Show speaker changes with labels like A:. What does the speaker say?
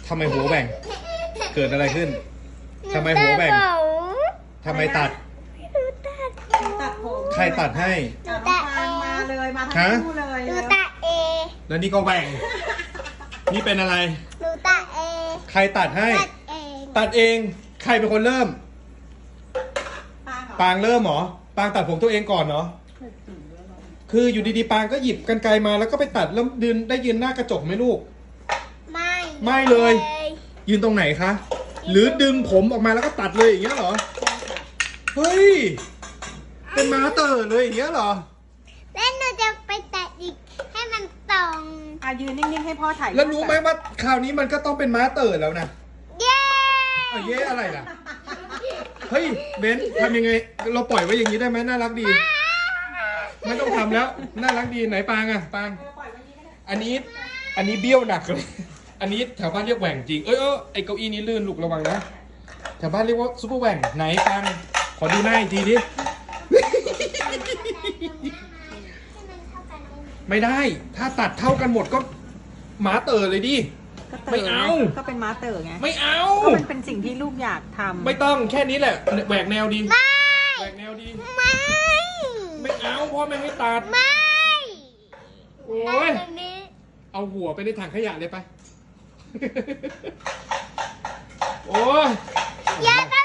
A: ทำไมหัวแหว่งเกิดอะไรขึ้นทำไมหัวแหว่งทำไมตัด
B: ตัดผม
A: ใครตัดให้
B: น้องฟางมาเลยมาทั้งคู่เลย
C: หนูตัดเอง
A: แล้วนี่ก็แหว่งนี่เป็นอะไร
C: หนูตัดเอง
A: ใครตัดให้
C: ตัดเอง
A: ตัดเองใครเป็นคนเริ่มปางเริ่มเหรอปางตัดผมตัวเองก่อนเนาะคืออยู่ดีๆปางก็หยิบกรรไกรมาแล้วก็ไปตัดแล้วยืนหน้ากระจกไหมลูกไม่เลยยืนตรงไหนคะหรือดึงผมออกมาแล้วก็ตัดเลยอย่างเงี้ยเหรอเฮ้ยเป็นม้าเต๋อเลยอย่างเงี้ยเหรอ
C: แล้วหนูจะไปตัดอีกให้มันตรง
B: ยืนนิ่งๆให้พ่อถ่าย
A: แล้วรู้ไหมว่าคราวนี้มันก็ต้องเป็นม้าเต๋อแล้วนะ
C: เย้
A: เย้อะไรล่ะเฮ้ยเบนทำยังไงเราปล่อยไว้อย่างนี้ได้ไหมน่ารักดีไม่ต้องทำแล้วน่ารักดีไหนปางอะปางอันนี้เบี้ยวหนักเลยอันนี้แถวบ้านเรียกแหว่งจริงไอเก้าอี้นี้ลื่นลูกระวังนะแถวบ้านเรียกว่าซุปเปอร์แหว่งไหนปางขอดูหน้าอีกทีดิไม่ได้ถ้าตัดเท่ากันหมดก็หมาเต๋อเลยดิไม่เอา
B: ก็เป็นม้าเต๋อไง
A: ไม่เอา
B: ก็มันเป็นสิ่งที่ลูกอยากทำ
A: ไม่ต้องแค่นี้แหละแหวกแนวดีแหวกแนวดีไม่เอาพ่อแม่ไม่ตัดโอ้ยเอาหัวไปในถังขยะเลยไปโอ้ย
C: อย่าไป